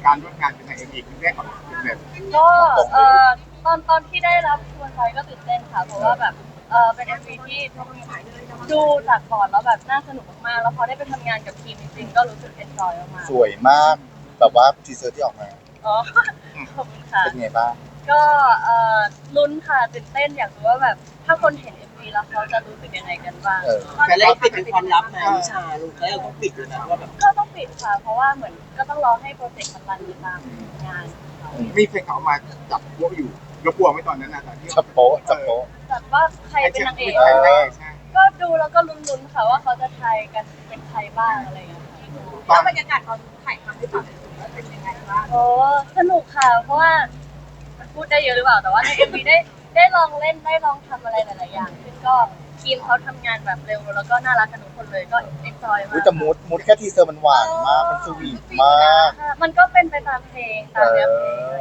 การร่วมงานเป็นนางเอ็มวีครั้งแรกของคุณแบบก็ตอนที่ได้รับชวนไปก็ตื่นเต้นค่ะเพราะว่าแบบเป็น MV ที่ดูจากก่อนแล้วแบบน่าสนุกมากๆแล้วพอได้ไปทำงานกับทีมจริงๆก็รู้สึกเอนจอยมากสวยมากแบบว่าทีเซอร์ที่ออกมาๆอ๋อขอบคุณค่ะเป็นไงบ้างก็ลุ้นค่ะตื่นเต้นอยากรู้ว่าแบบถ้าคนเห็น MV แล้วเขาจะรู้สึกยังไงกันบ้างแต่เราปิดเป็นความลับนะวิชาลูกแล้วเราต้องปิดเลยนะว่าแบบก็ต้องปิดค่ะเพราะว่าเหมือนก็ต้องรอให้โปรเจกต์มันรันอยู่ตามงานของเรามีเพลงเขามาจับพวกอยู่เรากลัวไหมตอนนั้นนะตอนที่จับโป๊ะจับโป๊ะแต่ว่าใครเป็นนางเอกใช่ก็ดูแล้วก็ลุ้นๆค่ะว่าเขาจะทายกันเป็นใครบ้างอะไรอย่างเงี้ยค่ะตอนแล้วบรรยากาศตอนถ่ายทำให้ฟังว่าเป็นยังไงบ้างโอ้สนุกค่ะ เพราะว่าพูดได้เยอะหรือเปล่าแต่ว่าใน MV ได้ลองเล่นได้ลองทำอะไรหลายๆอย่างซึ่งก็ทีมเขาทำงานแบบเร็วแล้วก็น่ารักกันทุกคนเลยก็เอ็นจอยมาอุ้ยกแต่มูดแค่ทีเซอร์มันหวานมากมันสวีทมากค่ะมันก็เป็นไปตามเพลงตามเนื้อเพลงเลย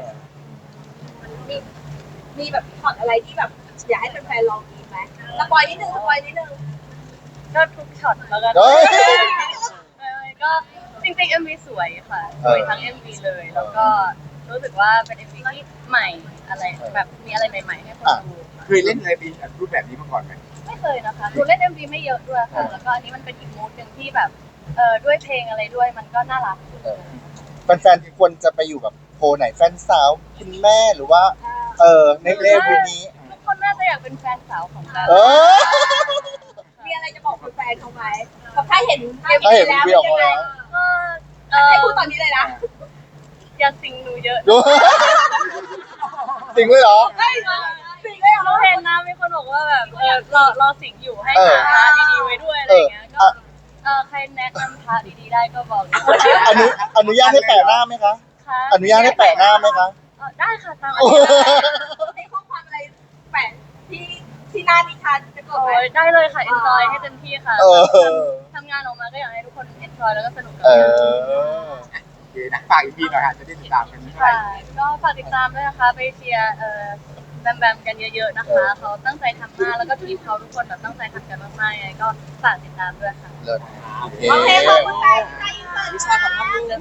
มีแบบช็อตอะไรที่แบบอยากให้แฟนๆลองอีกไหมสปอยนิดนึงก็ทุกช็อตแล้วกันเฮ้ยก็จริงๆ MV สวยค่ะสวยทั้ง MV เลยแล้วก็รู้สึกว่าเป็น MV ที่ใหม่อะไรแบบมีอะไรใหม่ๆให้คนดูเคยเล่นอะไรเป็นรูปแบบนี้มาก่อนไหมไม่เคยนะคะหนูเล่น MV ไม่เยอะด้วยค่ะแล้วก็อันนี้มันเป็นอีกมูดหนึ่งที่แบบด้วยเพลงอะไรด้วยมันก็น่ารักแฟนๆควรจะไปอยู่แบบโพลไหนแฟนสาวคุณแม่หรือว่าในเลเวลนี้ทุกคนน่าจะอยากเป็นแฟนสาวของเราเออมีอะไรจะบอกแฟนเขาไหมแบบถ้าเห็นถ้าเห็นวีออกมาแล้วก็ให้พูดตอนนี้เลยนะอย่าสิงหนูเยอะดูจริงเลยเหรอสิ่งเลยเหรเราอเห็นนะมีคนบอกว่าแบบรอสิงอยู่ให้เออหาพระดีๆไว้ด้วยอะไรอย่างเงี้ยก็ใครแนะนำพระดีๆได้ก็บอกด้วยอนุญาตให้แปะหน้าไหมคะค่ะอนุญาตให้แปะหน้าไหมคะได้ค่ะตามอันนี้ได้ในข้อความอะไรแปะที่หน้านิทานจะกดโอ้ไหมยได้เลยค่ะ enjoy ให้เต็มที่ค่ะเออทำงานออกมาก็อยากให้ทุกคน enjoy แล้วก็สนุกกับเองานอโอเคนะฝากอีกทีหน่อยค่ะจะได้ติดตามกันไม่ได้ค่ะก็ฝากติดตามด้วยนะคะไปเชียร์แบมกันเยอะๆนะคะเขาตั้งใจทำมากแล้วก็ทีมเขาทุกคนแบบตั้งใจทำกันมากๆยังไงก็ฝากติดตามด้วยค่ะเลิศโอเคโอเคขอบคุณค่ะวิชาของภาพนิ่งนะ